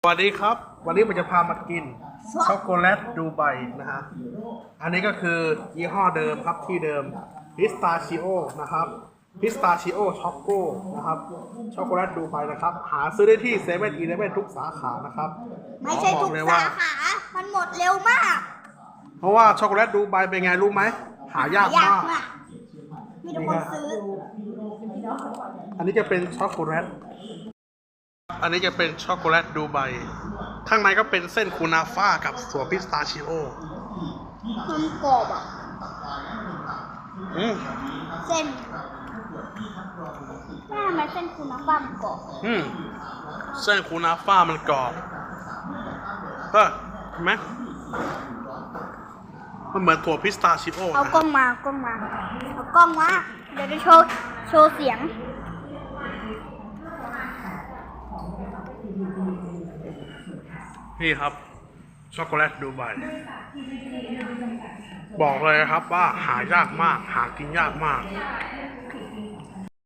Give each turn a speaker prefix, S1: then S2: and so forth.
S1: สวัสดีครับวันนี้ผมจะพามากินช็อกโกแลตดูไบนะฮะอันนี้ก็คือยี่ห้อเดิมครับที่เดิมพิสตาชิโอนะครับพิสตาชิโอช็อกโกนะครับช็อกโกแลตดูไบนะครับหาซื้อได้ที่เซเว่นอีเลฟเว่นทุกสาขานะครับ
S2: ไม่ใช่ทุกสาขา มันหมดเร็วมาก
S1: เพราะว่าช็อกโกแลตดูไบเป็นไงรู้ไหมหายากมาก
S2: มีทุกคนซื้อ
S1: อันนี้จะเป็นช็อกโกแลตอันนี้จะเป็นช็อกโกแลตดูไบข้างในก็เป็นเส้นคูนาฟ่ากับส่วนพิสตาชิโอ
S2: มันกรอบอ่ะ เส้นแม่ทำไมเส้นคุณน้ำบ้ามนกรอบ
S1: เส้นคูนาฟ่ามันกรอบเห็นไหมมันเหมือนถั่วพิสตาชิโอ
S2: เอากล้องมาเอากล้องมาเอากล้องมาเดี๋ยวจะโชว์เสียง
S1: นี่ครับช็อกโกแลตดูไบบอกเลยครับว่าหายากมากหากินยากมาก